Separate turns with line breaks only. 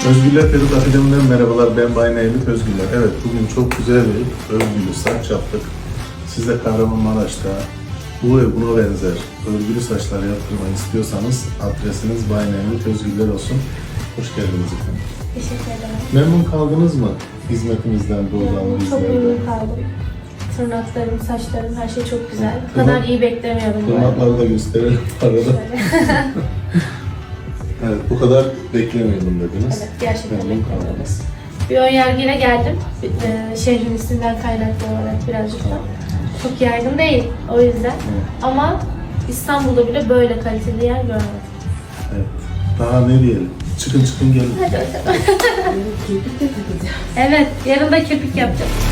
Özgüller Peruk Akademi'den merhabalar, ben Bay Nevlit Özgüller. Evet, bugün çok güzel bir örgülü saç yaptık. Siz de Kahramanmaraş'ta bu ve buna benzer örgülü saçlar yaptırmayı istiyorsanız adresiniz Bay Nevlit Özgüller olsun. Hoş geldiniz efendim.
Teşekkür ederim.
Memnun kaldınız mı hizmetimizden, buradan,
Çok
bizlerden?
memnun kaldım. Tırnaklarım, saçlarım, her şey çok güzel. Bu kadar iyi beklemiyordum. bu arada.
Tırnakları da gösterelim arada. Evet, bu kadar beklemiyordum dediniz.
Evet, gerçekten
Memnun
beklemiyordum.
kaldınız.
Bir önyargıyla geldim. Şehrin isminden kaynaklı olarak birazcık da. Çok yaygın değil o yüzden. Ama İstanbul'da bile böyle kaliteli yer görmedim.
Evet. Daha ne diyelim? Çıkın gelin.
Hadi bakalım. Evet, yarın da kirpik yapacağım.